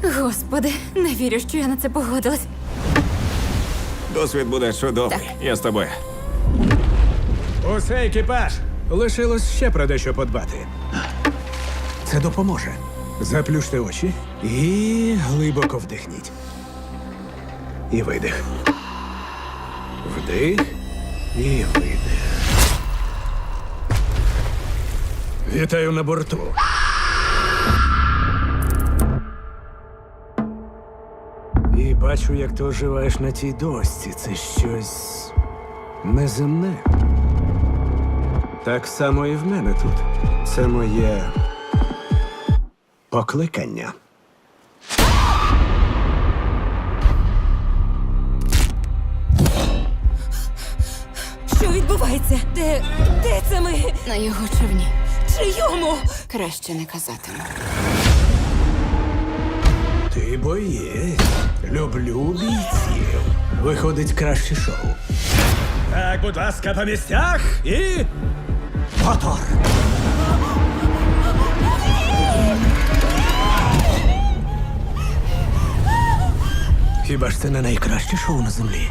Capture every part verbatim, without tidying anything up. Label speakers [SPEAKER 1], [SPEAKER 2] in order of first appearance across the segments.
[SPEAKER 1] Господи, не вірю, що я на це погодилась.
[SPEAKER 2] Досвід буде чудовий. Я з тобою.
[SPEAKER 3] Усе, екіпаж! Лишилось ще про дещо подбати. Це допоможе. Заплющте очі і глибоко вдихніть. І видих. Вдих і видих. Вітаю на борту. І бачу, як ти оживаєш на тій дошці. Це щось неземне. Так само і в мене тут. Це моє покликання.
[SPEAKER 1] Що відбувається? Де. де це ми?
[SPEAKER 4] На його човні.
[SPEAKER 1] Чийому?
[SPEAKER 4] Краще не казатиму.
[SPEAKER 3] Ти боєць. Люблю бійців. Виходить краще шоу. Так, будь ласка, по місцях і. Мотор! Хіба ж це не найкраще шоу на землі?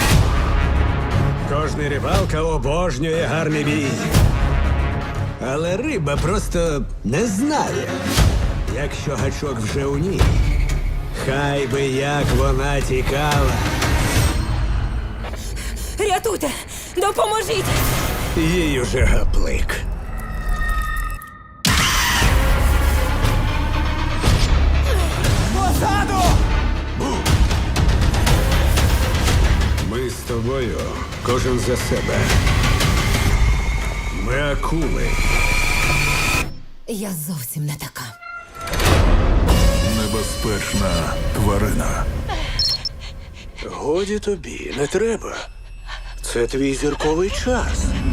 [SPEAKER 3] Кожний рибалка обожнює гарний бій. Але риба просто не знає, якщо гачок вже у ній. Хай би як вона тікала.
[SPEAKER 1] Рятуйте! Допоможіть!
[SPEAKER 3] Їй уже гаплик. Позаду! Ми з тобою, кожен за себе. Ми акули.
[SPEAKER 1] Я зовсім не така.
[SPEAKER 5] Небезпечна тварина.
[SPEAKER 3] Годі тобі, не треба. Це твій зірковий час.